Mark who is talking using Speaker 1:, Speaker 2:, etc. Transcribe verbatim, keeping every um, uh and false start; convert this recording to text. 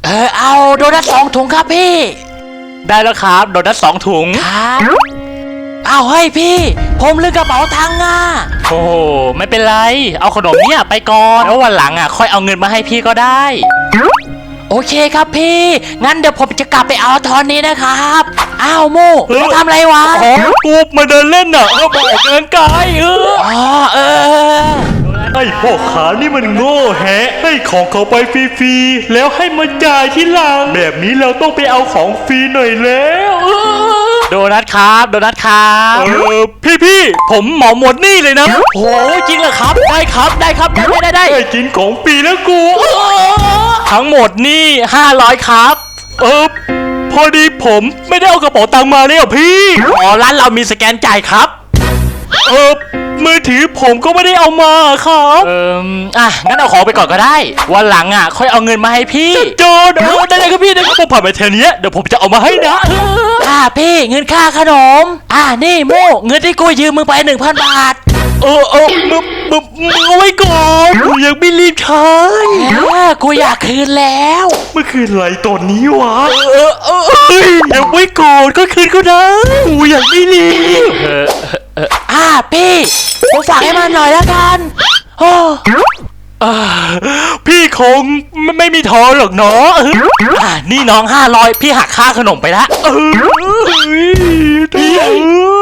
Speaker 1: เออเอาโดนัทสองถุงครับพี่ได้แล้วครับโดนัทสองถุงครับเอาเฮ้ยพี่ผมลืมกระเป๋าตังค์อ่ะโอ้ไม่เป็นไรเอาขนมเนี่ยไปก่อนแล้ววันหลังอ่ะค่อยเอาเงินมาให้พี่ก็ได้โอเคครับพี่งั้นเดี๋ยวผมจะกลับไปเอาตอนนี้นะครับอ้าวโม่มาทำอะไรวะอ๋อกูมาเดินเล่นน่ะเออมาออกกำลังกายเอออ๋อเออ
Speaker 2: ไอ้พ่อขานี่มันโง่แฮะให้ของเขาไปฟรีๆแล้วให้มาจ่ายที่หลังแบบนี้เราต้องไปเอาของฟรีหน่อยแล้ว
Speaker 1: โดนัทครับโดนัทครับ
Speaker 2: เออพี่พี่ผมเหมาหมดนี่เลยนะ
Speaker 1: โอ้จริงเหรอครับได้ครับได้ครับได้ได้ได้
Speaker 2: ได้กินของฟรีแล้วกู
Speaker 1: ทั้งหมดนี่ห้าร้อยครับ
Speaker 2: เออพอดีผมไม่ได้เอากระเป๋าตังค์มาเลยอ่ะพี่
Speaker 1: อ๋อร้านเรามีสแกนจ่ายครับ
Speaker 2: เออมือถือผมก็ไม่ได้เอามาครับ
Speaker 1: เอออ่ะงั้นเอาของไปก่อนก็ได้วันหลังอ่ะค่อยเอาเงินมาให้พี่
Speaker 2: โจนเออได้เลยครับพี่ได้ครับผมผ่านไปแถวนี้เดี๋ยวผมจะเอามาให้นะ
Speaker 1: อ่าพี่เงินค่าขนมอ่านี่โม่เงินที่กูยืมมึงไปหนึ่งพันบาท
Speaker 2: เออเออมึงมึงมึงเอาไว้ก่อนกูยังไม่รีบใช้
Speaker 1: เออกูอยากคืนแล้ว
Speaker 2: เมื่อคืนไรตอนนี้วะเออเออเออยังไม่ก่อนก็คืนก็ได้กูยังไม่รีบ
Speaker 1: เออเอออ่าพี่ผมฝากให้มันหน่อยแล้วกันโอ้
Speaker 2: พี่คงไม่ไม่มีทอนหรอกเนาะ
Speaker 1: อ่านี่น้องห้าร้อยพี่หักค่าขนมไปละ
Speaker 2: เออ